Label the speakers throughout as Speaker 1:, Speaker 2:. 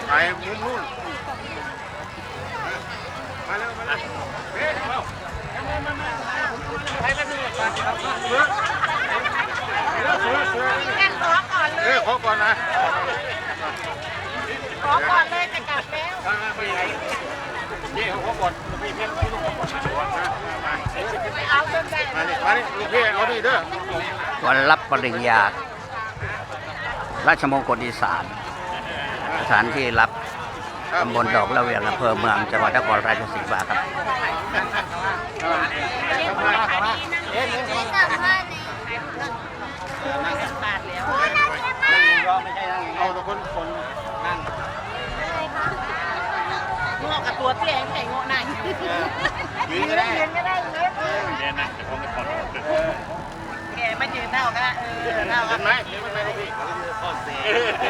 Speaker 1: ไปมุมนู่นมาเร็วมาเร็วเฮ้ยเราไปแล้วนี่ขอก่อนนะ
Speaker 2: ขอก่อนเลยจะกลับแล้ว
Speaker 1: ไปไหนนี่ขอก่อนพี่เพี้ยนพี่ลูกขอก่อน
Speaker 2: ไม่เอาจนได้
Speaker 1: มานี่มานี่ลูกพี่เอาดิเด้อ
Speaker 3: วันรับปริญญาราชมงคลอีสานสถานที่รับตำบลดอกละเวียงอำเภอเมืองจังหวัดนครราชสีมาครับ
Speaker 1: เอาทุกคนนั่ง
Speaker 2: งอกับตัวเตี้ยไม่งอนั่งยืนก็ได้ยืนก็ได้
Speaker 1: เรียนนะจะพร้อมจะผ่อน
Speaker 2: แกไม่ยืนเท่ากันเท่ากัน
Speaker 1: ไหมเดี๋ยวมันไปพี่ข้อเสี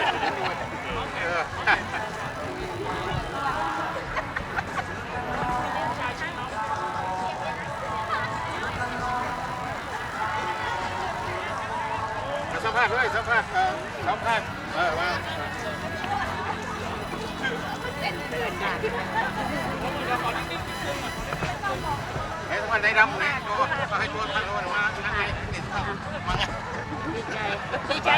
Speaker 1: ยสัมภาษณ์ด้วยสัมภาษณ์มาให้สัมภาษณ์ในดำเนี่ยก็ให้ตัวท่านรู้มาท่านให้ติดต่อมาไง
Speaker 2: ดีใจ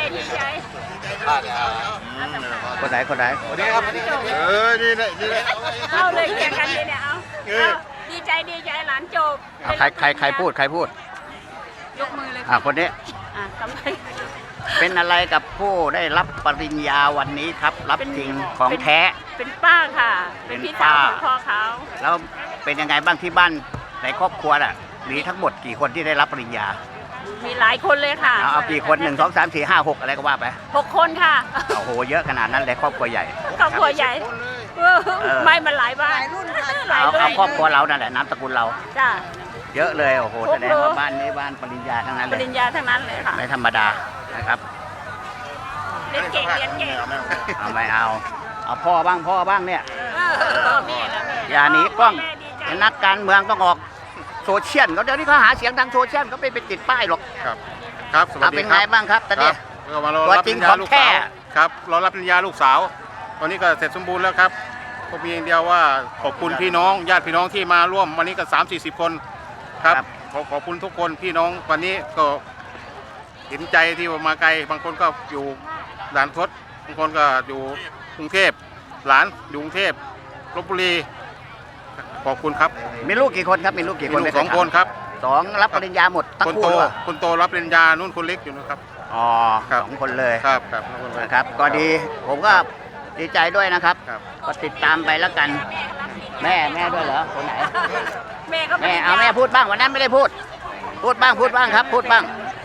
Speaker 3: คนไหน
Speaker 1: คนนี้ครับนี่
Speaker 2: เอาเลยแข่งกันเลยเนี่ยเอาดีใจหลานจบ
Speaker 3: ใครพูด
Speaker 2: ยกมือเลย
Speaker 3: คนนี้
Speaker 2: ทำไม
Speaker 3: เป็นอะไรกับผู้ได้รับปริญญาวันนี้ครับรับจริงของแท้
Speaker 2: เป็นป้าค่ะเป็นพี่สาวของพ่อเขา
Speaker 3: แล้วเป็นยังไงบ้างที่บ้านในครอบครัวน่ะมีทั้งหมดกี่คนที่ได้รับปริญญา
Speaker 2: มีหลายคนเลยค่ะ
Speaker 3: เอากี่คน1 2 3 4 5 6อะไรก็ว่าไป
Speaker 2: 6 คนค่ะ
Speaker 3: โอ้โหเยอะขนาดนั้นเลยครอบครัวใหญ่
Speaker 2: ครอบครัวใหญ่ไม่มันหลายบ้าน
Speaker 3: เอาครอบครัวเรานั่นแหละนามสกุลเรา
Speaker 2: จ้า
Speaker 3: เยอะเลยโอ้โหแสดงว่าบ้านนี้บ้านปริญญาทั้งนั้นเลย
Speaker 2: ปริญญาทั้งนั้นเลยค่ะ
Speaker 3: ไม่ธรรมดานะครับ
Speaker 2: เรียนเก่ง
Speaker 3: ไม่เอาพ่อบ้างเนี่ยอย่าหนีกล้องนักการเมืองต้องออกโซเชียลเขาเดี๋ยวนี้เขาหาเสียงทางโซเชียลเขาไม่ไปติดป้ายหรอก
Speaker 1: ครับสวัสดีครับ
Speaker 3: เป็นไงบ้างครับตอนนี้
Speaker 1: ตัวจริงของแท้ครับรอรับปริญญาลูกสาวตอนนี้ก็เสร็จสมบูรณ์แล้วครับก็มีอย่างเดียวว่าขอบคุณพี่น้องญาติพี่น้องที่มาร่วมวันนี้ก็30-40 คนครับขอบคุณทุกคนพี่น้องวันนี้ก็เห็นใจที่มาไกลบางคนก็อยู่ด่านทดบางคนก็อยู่กรุงเทพหลานอยู่กรุงเทพลพบุรีขอบคุณครับ
Speaker 3: มีลูกกี่คนครับมีลูกกี่คน
Speaker 1: 2 คนครับ
Speaker 3: 2รับปริญญาหมดทั้งคู่
Speaker 1: คนโตรับปริญญานุ่นคนเล็กอยู่นะครับ
Speaker 3: 2 คนเลย
Speaker 1: ครับ
Speaker 3: นะครับก็ดีผมก็ดีใจด้วยนะครับก็ติดตามไปแล้วกันแม่ด้วยเหรอคนไหนแม่เอาแม่พูดบ้างวันนั้นไม่ได้พูดบ้างครับพูดบ้าง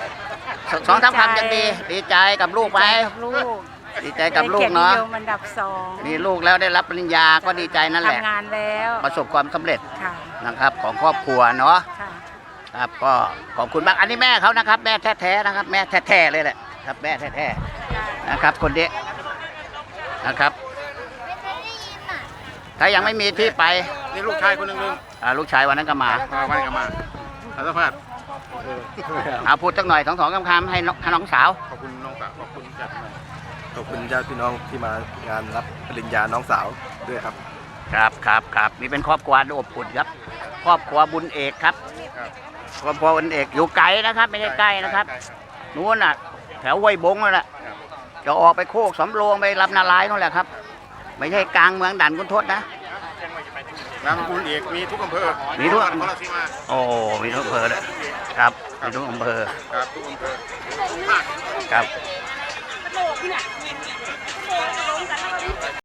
Speaker 3: 2-3 คำยังดีใจกับลูกไปดีใจกับลูกเนาะ
Speaker 2: อันดับ 2
Speaker 3: มีลูกแล้วได้รับปริญญาก็ดีใจนั่นแหละ
Speaker 2: ทำงานแล้ว
Speaker 3: ประสบความสำเร็จนะครับของครอบครัวเนาะครับก็ขอบคุณมากอันนี้แม่เขานะครับแม่แท้ๆนะครับแม่แท้ๆเลยแหละครับแม่แท้ๆนะครับคนนี้นะครับถ้ายังไม่มีที่ไป
Speaker 1: นี่ลูกชายคนหนึ่ง
Speaker 3: ลูกชายวันนั้นก็มา
Speaker 1: สัมภาษณ์
Speaker 3: พูดสักหน่อย2 คำให้น้องสาว
Speaker 1: ขอบคุณน้องสาวขอบคุณญา
Speaker 4: ติพี่น้องที่มางานรับปริญญาน้องสาวด้วยครับ
Speaker 3: ครับนี่เป็นครอบครัวอบอุ่นครับครอบครัวบุญเอกครับครอบครัวบุญเอกอยู่ไกลนะครับไม่ใช่ใกล้นะครับนู้นน่ะแถวห้วยบงนั่นแหละจะออกไปโคกสำโรงไปรับนารายนั่นแหละครับไม่ใช่กลางเมืองด่านขุนทดนะ
Speaker 1: นามสกุลเอกมีทุกอำเภอ
Speaker 3: มีทุกโอ้มีทุกอำเภอเลยครับมีทุกอำเภอครับ